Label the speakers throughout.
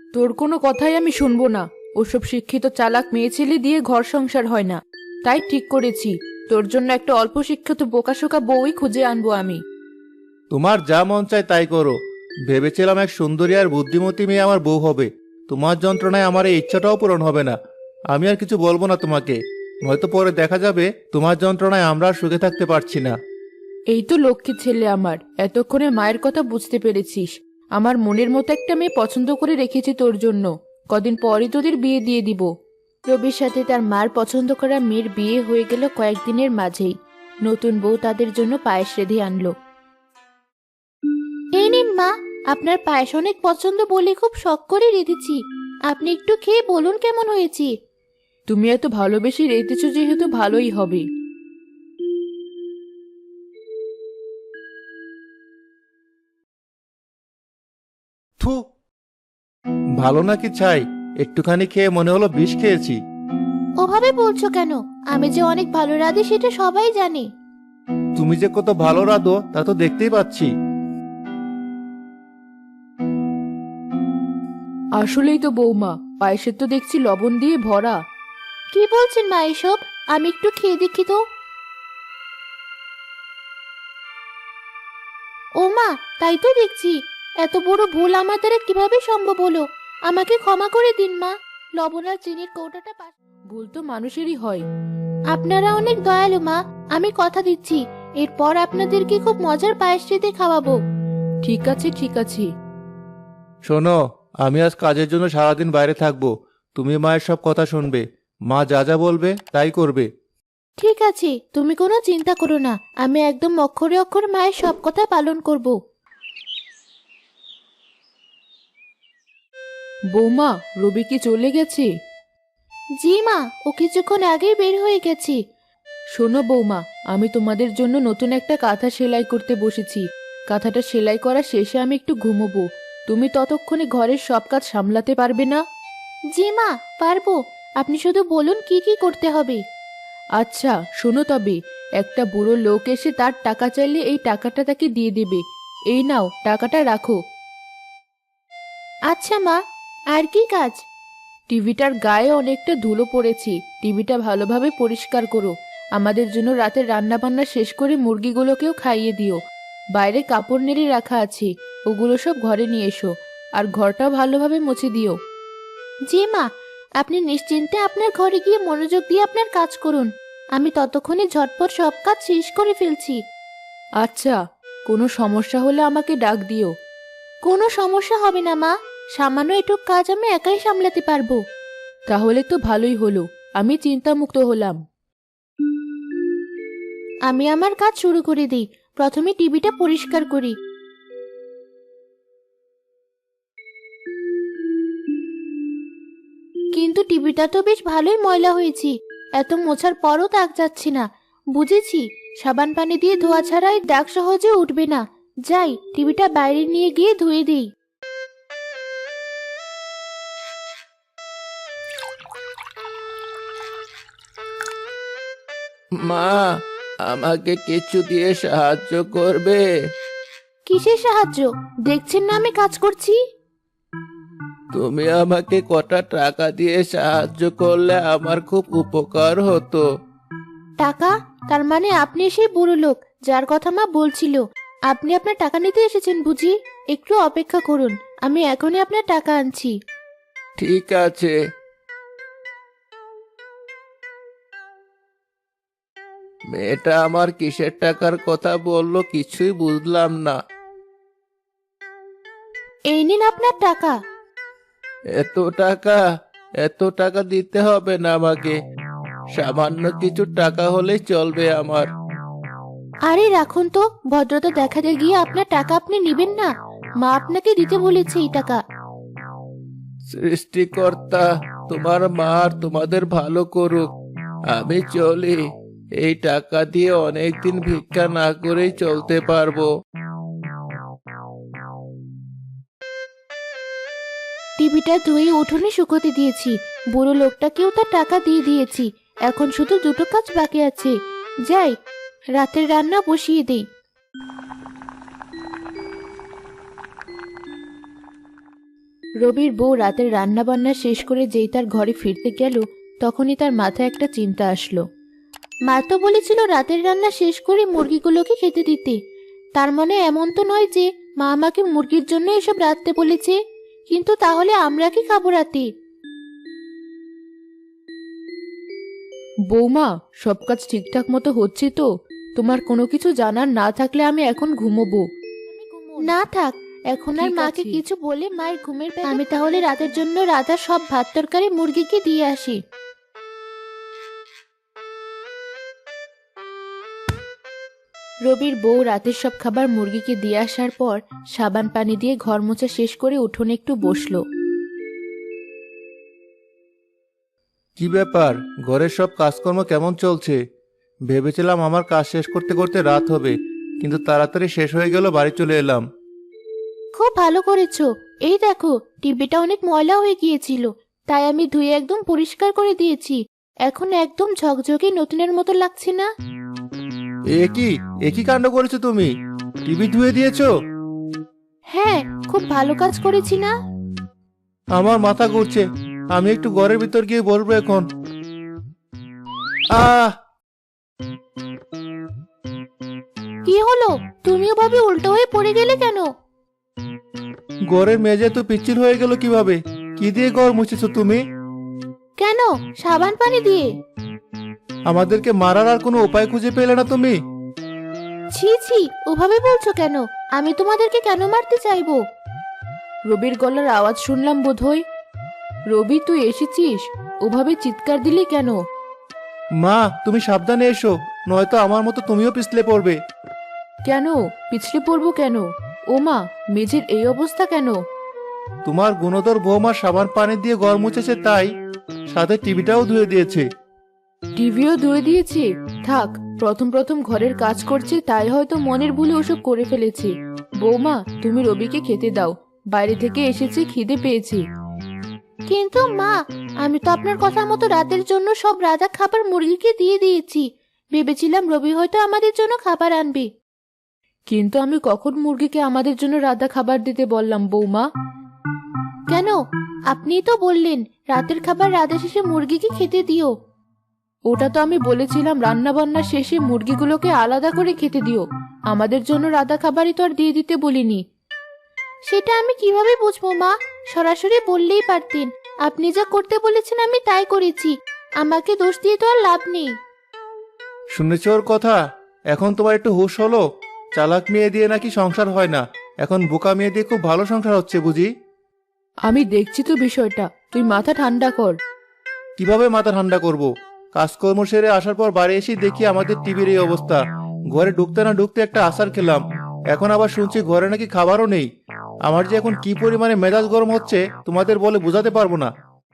Speaker 1: তোর কোনো কথাই আমি শুনবো না। ওসব শিক্ষিত চালাক মেয়ে ছেলে দিয়ে ঘর সংসার হয় না। তাই ঠিক করেছি, তোর জন্য একটা অল্প শিক্ষিত বোকাশোকা বউই খুঁজে আনবো আমি।
Speaker 2: তোমার যা মন চায় তাই করো। ভেবেছিলাম এক সুন্দরী আর বুদ্ধিমতী মেয়ে আমার বউ হবে। তোমার যন্ত্রণায় আমার এই ইচ্ছাটাও পূরণ হবে না। আমি আর কিছু বলবো না তোমাকে, নয়তো পরে দেখা যাবে তোমার যন্ত্রণায় আমরা আর সুখে থাকতে পারছি না।
Speaker 1: এই তো লক্ষ্মী ছেলে আমার, এতক্ষণে মায়ের কথা বুঝতে পেরেছিস। আমার মনের মতো একটা মেয়ে পছন্দ করে রেখেছি তোর জন্য। কদিন পরই তোদের বিয়ে দিয়ে দিব। রবির সাথে তার মার পছন্দ করা মেয়ের বিয়ে হয়ে গেল কয়েকদিনের মাঝেই। নতুন বউ তাদের জন্য পায়েস রেঁধে আনলো। এই নিন মা, আপনার পায়েস অনেক পছন্দ বলে খুব শখ করে রেঁধেছি। আপনি একটু খেয়ে বলুন কেমন হয়েছে। তুমি এত ভালোবেসে রেঁধেছো যেহেতু ভালোই হবে।
Speaker 2: থু, ভালো নাকি ছাই? একটুখানি খেয়ে মনে হলো বিষ খেয়েছি।
Speaker 1: ওভাবে বলছো কেন? আমি যে অনেক ভালো রাঁধি সেটা সবাই জানে।
Speaker 2: তুমি যে কত ভালো রাঁধো তা তো দেখতেই পাচ্ছি।
Speaker 1: আসলেই তো বৌমা, পায়েসের তো দেখছি লবণ দিয়ে ভরা। কি বলছেন মা এসব? আমি একটু খেয়ে দেখি তো। ও মা, তাই তো দেখছি। এত বড় ভুল আমার দ্বারা কিভাবে সম্ভব হলো? আমাকে ক্ষমা করে দিন মা। লবণ আর চিনির কৌটাটা ভুল তো মানুষেরই হয়। আপনারা অনেক দয়ালু মা। আমি কথা দিচ্ছি, এরপর আপনাদেরকে খুব মজার পায়েস রেঁধে খাওয়াবো। ঠিক আছে ঠিক আছে।
Speaker 2: শোনো, আমি আজ কাজের জন্য সারাদিন বাইরে থাকবো। তুমি মায়ের সব কথা শুনবে। মা যা যা বলবে তাই করবে।
Speaker 1: ঠিক আছে, তুমি কোনো চিন্তা করো না। আমি একদম অক্ষরে অক্ষরে মায়ের সব কথা পালন করব। বৌমা, রবি কি চলে গেছে? জি মা, ও কিছুক্ষণ আগেই বের হয়ে গেছে। শোনো বৌমা, আমি তোমাদের জন্য নতুন একটা কাঁথা সেলাই করতে বসেছি। কাঁথাটা সেলাই করা শেষে আমি একটু ঘুমোবো। তুমি ততক্ষণে ঘরের সব কাজ সামলাতে পারবে না? জি মা, পারবো। আপনি শুধু বলুন কি কি করতে হবে। আচ্ছা শোনো তবে, একটা বুড়ো লোক এসে তার টাকা চাইলে এই টাকাটা তাকে দিয়ে দেবে। এই নাও, টাকাটা রাখো। আচ্ছা মা, আর কি কাজ? টিভিটার গায়ে অনেকটা ধুলো পড়েছে, টিভিটা ভালোভাবে পরিষ্কার করো। আমাদের জন্য রাতের রান্না বান্না শেষ করে মুরগিগুলোকেও খাইয়ে দিও। বাইরে কাপড় নেড়ে রাখা আছে, ওগুলো সব ঘরে নিয়ে এসো। আর ঘরটাও ভালোভাবে মুছে দিও। জি মা, আপনি নিশ্চিন্তে আপনার ঘরে গিয়ে মনোযোগ দিয়ে আপনার কাজ করুন। আমি ততক্ষণে ঝটপট সব কাজ শেষ করে ফেলছি। আচ্ছা, কোনো সমস্যা হলে আমাকে ডাক দিও। কোনো সমস্যা হবে না মা, সামান্য এটুক কাজ আমি একাই সামলাতে পারবো। তাহলে তো ভালোই হলো, আমি চিন্তামুক্ত হলাম। আমি আমার কাজ শুরু করে দিই। প্রথমে টিভিটা পরিষ্কার করি। কিন্তু টিভিটা তো বেশ ভালোই ময়লা হয়েছে। এত মোছার পরও দাগ যাচ্ছে না। বুঝেছি, সাবান পানি দিয়ে ধোয়া ছাড়া এই দাগ সহজে উঠবে না। যাই, টিভিটা বাইরে নিয়ে গিয়ে ধুয়ে দিই।
Speaker 2: মা, আমাকে কিছু দিয়ে সাহায্য করবে?
Speaker 1: কিসের সাহায্য? দেখছেন না আমি কাজ করছি।
Speaker 2: তুমি আমাকে কটা টাকা দিয়ে সাহায্য করলে আমার খুব উপকার হতো।
Speaker 1: টাকা? তার মানে আপনি সেই বুড়ো লোক যার কথা মা বলছিল। আপনি আপনার টাকা নিতে এসেছেন বুঝি? একটু অপেক্ষা করুন, আমি এখনই আপনার টাকা আনছি।
Speaker 2: ঠিক আছে। মেয়েটা আমার কিসের টাকার কথা বললো কিছুই বুঝলাম না।
Speaker 1: এই নিন আপনার টাকা।
Speaker 2: এত টাকা? এত টাকা দিতে হবে না আমাকে। সামান্য কিছু টাকা হলেই চলবে আমার।
Speaker 1: আরে রাখুন তো, ভদ্রতা দেখাতে গিয়ে আপনার টাকা আপনি নেবেন না। মা আপনাকে দিতে বলেছে এই টাকা।
Speaker 2: সৃষ্টিকর্তা তোমার মা আর তোমাদের ভালো করুক। আমি চলি। এই টাকা দিয়ে অনেকদিন ভিক্ষা না করেই চলতে পারবো।
Speaker 1: টিভিটা ধুয়ে উঠোনে শুকোতে দিয়েছি। বুড়ো লোকটাকেও তার টাকা দিয়ে দিয়েছি। এখন শুধু দুটো কাজ বাকি আছে। যাই, রাতের রান্না বসিয়ে দেই। রবির বউ রাতের রান্না বান্না শেষ করে যেই তার ঘরে ফিরতে গেল, তখনই তার মাথায় একটা চিন্তা আসলো। মা তো বলেছিল রাতের রান্না শেষ করে মুরগিগুলোকে খেতে দিতে। তার মানে এমন তো নয় যে মা আমাকে মুরগির জন্য এসব রাঁধতে বলেছে। কিন্তু তাহলে আমরা কি খাবো রাতে? বৌমা, সব কাজ ঠিকঠাক মতো হচ্ছে তো? তোমার কোনো কিছু জানার না থাকলে আমি এখন ঘুমোবো। না থাক, এখন আর মাকে কিছু বলে মায়ের ঘুমের আমি তাহলে রাতের জন্য রাধা সব ভাত তরকারি মুরগিকে দিয়ে আসি। রবির বউ রাতের সব খাবার মুরগিকে দিয়ে আসার পর সাবান পানি দিয়ে ঘর মোছা শেষ করে উঠোনে একটু বসলো।
Speaker 2: কি ব্যাপার, ঘরের সব কাজকর্ম কেমন চলছে? ভেবেছিলাম আমার কাজ শেষ করতে করতে রাত হবে, কিন্তু তাড়াতাড়ি শেষ হয়ে গেল, বাড়ি চলে এলাম।
Speaker 1: খুব ভালো করেছো। এই দেখো, টিভিটা অনেক ময়লা হয়ে গিয়েছিল, তাই আমি ধুয়ে একদম পরিষ্কার করে দিয়েছি। এখন একদম ঝকঝকে নতুনের মতো লাগছে না?
Speaker 2: একই কাণ্ড করেছো তুমি? টিভি ধুয়ে দিয়েছো?
Speaker 1: হ্যাঁ, খুব ভালো কাজ করেছি না?
Speaker 2: আমার মাথা ঘুরছে, আমি একটু ঘরের ভিতর গিয়ে বলবো এখন। আহ
Speaker 1: কি হলো? তুমিও ভাবে উল্টো হয়ে পড়ে গেলে কেন?
Speaker 2: ঘরের মেঝে তো পিচ্ছিল হয়ে গেল কিভাবে? কি দিয়ে ঘর মুছেছো তুমি?
Speaker 1: কেন, সাবান পানি দিয়ে।
Speaker 2: আমাদেরকে মারার আর কোনো উপায় খুঁজে পেলে না তুমি?
Speaker 1: ছি ছি, ওভাবে বলছো কেন? আমি তোমাদেরকে কেন মারতে চাইবো? রবির গলার আওয়াজ শুনলাম বোধহয়। রবি, তুই এসেছিস? ওভাবে চিৎকার দিলি কেন?
Speaker 2: মা, তুমি সাবধানে এসো, নয়তো আমার মতো তুমিও পিছলে পড়বে।
Speaker 1: কেন পিছলে পড়বো কেন? ও মা, মেঝের এই অবস্থা কেন?
Speaker 2: তোমার গুণধর বৌমা সাবান পানি দিয়ে ঘর মুছেছে, তাই সাথে টিভিটাও ধুয়ে দিয়েছে।
Speaker 1: টিভিও ধুয়ে দিয়েছে? থাক, প্রথম প্রথম ঘরের কাজ করছে, তাই হয়তো মনের ভুলে ওসব করে ফেলেছে। বৌমা, তুমি রবিকে খেতে দাও, বাইরে থেকে এসেছে, খিদে পেয়েছে। কিন্তু মা, আমি তো আপনার কথা মতো রাতের জন্য সব রাধা খাবার মুরগিকে দিয়ে দিয়েছি। ভেবেছিলাম রবি হয়তো আমাদের জন্য খাবার আনবে। কিন্তু আমি কখন মুরগিকে আমাদের জন্য রাধা খাবার দিতে বললাম বৌমা? কেন? আপনিই তো বললেন রাতের খাবার রাধা শেষে মুরগিকে খেতে দিও। ওটা তো আমি বলেছিলাম রান্না বান্না শেষে মুরগিগুলোকে আলাদা করে খেতে দিও, আমাদের জন্য রাধা খাবারই তো আর দিয়ে দিতে বলিনি। সেটা আমি কিভাবে বুঝবো মা? সরাসরি বললেই পারতেন। আপনি যা করতে বলেছেন আমি তাই করেছি, আমাকে দোষ দিয়ে তো আর লাভ নেই।
Speaker 2: শুনেছ ওর কথা? এখন তোমার একটু হুঁশ হলো? চালাক মেয়ে দিয়ে নাকি সংসার হয় না, এখন বোকা মেয়ে দিয়ে খুব ভালো সংসার হচ্ছে বুঝি?
Speaker 1: আমি দেখছি তো বিষয়টা, তুই মাথা ঠান্ডা কর।
Speaker 2: কিভাবে মাথা ঠান্ডা করব? কাজকর্ম সেরে আসার পর বাড়ি এসে দেখি আমাদের টিভির এই অবস্থা। ঘরে ঢুকতে না ঢুকতে একটা আচার খেলাম, এখন আবার শুনছি ঘরে নাকি খাবারও নেই। আমার যে এখন কি পরিমাণে মেজাজ গরম হচ্ছে তোমাদের বলে বোঝাতে পারবো না।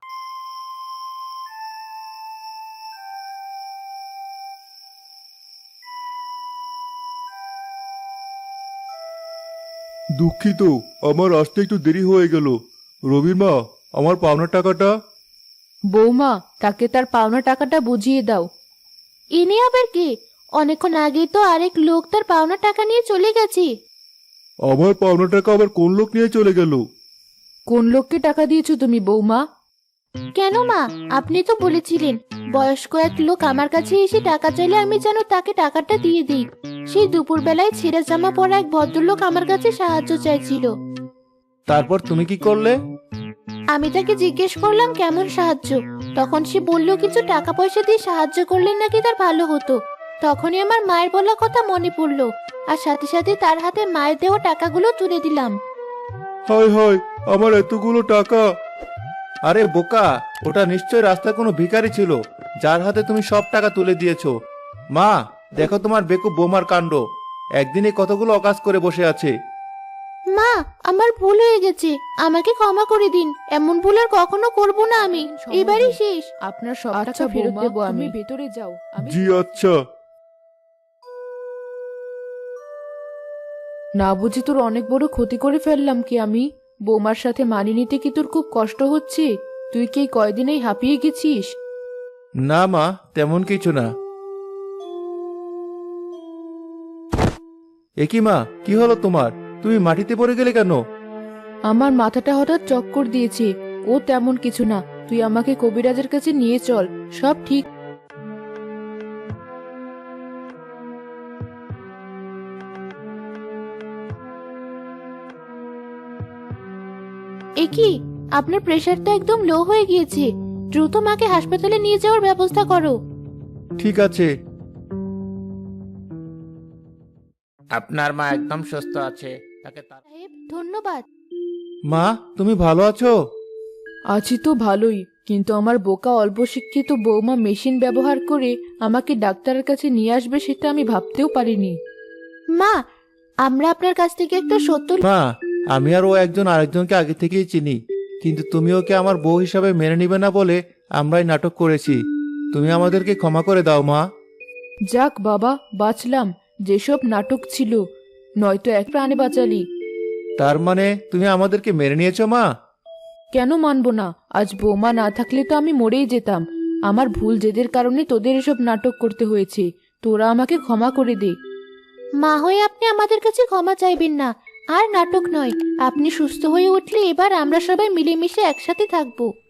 Speaker 2: দুঃখিত, আমার আসতে একটু দেরি হয়ে গেল। রবির মা, আমার পাওনা টাকাটা?
Speaker 1: বৌমা, তাকে তার পাওনা টাকাটা বুঝিয়ে দাও। ইনি আবার কে? অনেকক্ষণ আগে তো আরেক লোক তার পাওনা টাকা নিয়ে চলে গেছে।
Speaker 2: আমার পাওনা টাকা আবার কোন লোক নিয়ে চলে গেল?
Speaker 1: কোন লোককে টাকা দিয়েছো তুমি বৌমা? কেন মা, আপনি তো বলেছিলেন বয়স্ক এক লোক আমার কাছে এসে টাকা চাইলে আমি যেন তাকে টাকাটা দিয়ে দিই। সেই দুপুরবেলায় ছেঁড়া জামা পরা এক ভদ্রলোক আমার কাছে সাহায্য চাইছিল।
Speaker 2: তারপর তুমি কি করলে?
Speaker 1: আমি তাকে জিজ্ঞেস করলাম কেমন সাহায্য, তখন সে বলল কিছু টাকা পয়সা দিয়ে সাহায্য করলে নাকি তার ভালো হতো। তখনই আমার মায়ের বলা কথা মনে পড়লো, আর সাথে সাথে তার হাতে মায়ের দেওয়া টাকাগুলো তুলে দিলাম।
Speaker 2: হায় হায়, আমার এতগুলো টাকা! আরে বোকা, ওটা নিশ্চয় রাস্তায় কোনো ভিখারি ছিল, যার হাতে তুমি সব টাকা তুলে দিয়েছো। মা, দেখো তোমার বেকুব বোমার কাণ্ড, একদিনে কতগুলো অকাজ করে বসে আছে।
Speaker 1: মা, আমার ভুল হয়ে গেছে, আমাকে ক্ষমা করে দিন। এমন ভুল আর কখনো করব না আমি। এবারই শেষ। আপনার সব টাকা ফেরত দেব আমি। ভেতরে যাও।
Speaker 2: জি আচ্ছা।
Speaker 1: না বুঝি তোর অনেক বড় ক্ষতি করে ফেললাম কি আমি? বৌমার সাথে মানিয়ে নিতে কি তোর খুব কষ্ট হচ্ছে? তুই কি এই কয়দিনেই হাঁপিয়ে গেছিস?
Speaker 2: না মা, তেমন কিছু না। একি মা, কি হলো তোমার? তুমি মাটিতে পড়ে গেলে কেন?
Speaker 1: আমার মাথাটা হঠাৎ চক্কর দিয়েছে। ও তেমন কিছু না, তুই আমাকে কবিরাজের কাছে নিয়ে চল, সব ঠিক। এ কি, আপনার প্রেশারটা একদম লো হয়ে গিয়েছে। দ্রুত মাকে হাসপাতালে নিয়ে যাওয়ার ব্যবস্থা করো।
Speaker 2: ঠিক আছে।
Speaker 3: আপনার মা একদম সুস্থ আছে, তাকে
Speaker 1: সাহেব, ধন্যবাদ।
Speaker 2: মা, তুমি ভালো আছো?
Speaker 1: আছি তো ভালোই, কিন্তু আমার বোকা অল্প শিক্ষিত বৌমা মেশিন ব্যবহার করে আমাকে ডাক্তারের কাছে নিয়ে আসবে সেটা আমি ভাবতেও পারিনি। মা, আমরা আপনার কাছ থেকে একটা সত্য।
Speaker 2: মা, আমি আর ও একজন আরেকজনকে আগে থেকেই চিনি, কিন্তু তুমি ওকে আমার বউ হিসাবে মেনে নিবে না বলে আমরাই নাটক করেছি। তুমি আমাদেরকে ক্ষমা করে দাও মা।
Speaker 1: যাক বাবা, বাঁচলাম। যেসব নাটক ছিল, নয়তো এক প্রাণে বাঁচালি।
Speaker 2: তার মানে তুমি আমাদেরকে মেনে নিয়েছো মা?
Speaker 1: কেন মানবো না? আজ বৌমা না থাকলে তো আমি মরেই যেতাম। আমার ভুল জেদের কারণে তোদের এসব নাটক করতে হয়েছে। তোরা আমাকে ক্ষমা করে দে। মা হয়ে আপনি আমাদের কাছে ক্ষমা চাইবেন না। আর নাটক নয়, আপনি সুস্থ হয়ে উঠলে এবার আমরা সবাই মিলেমিশে একসাথে থাকবো।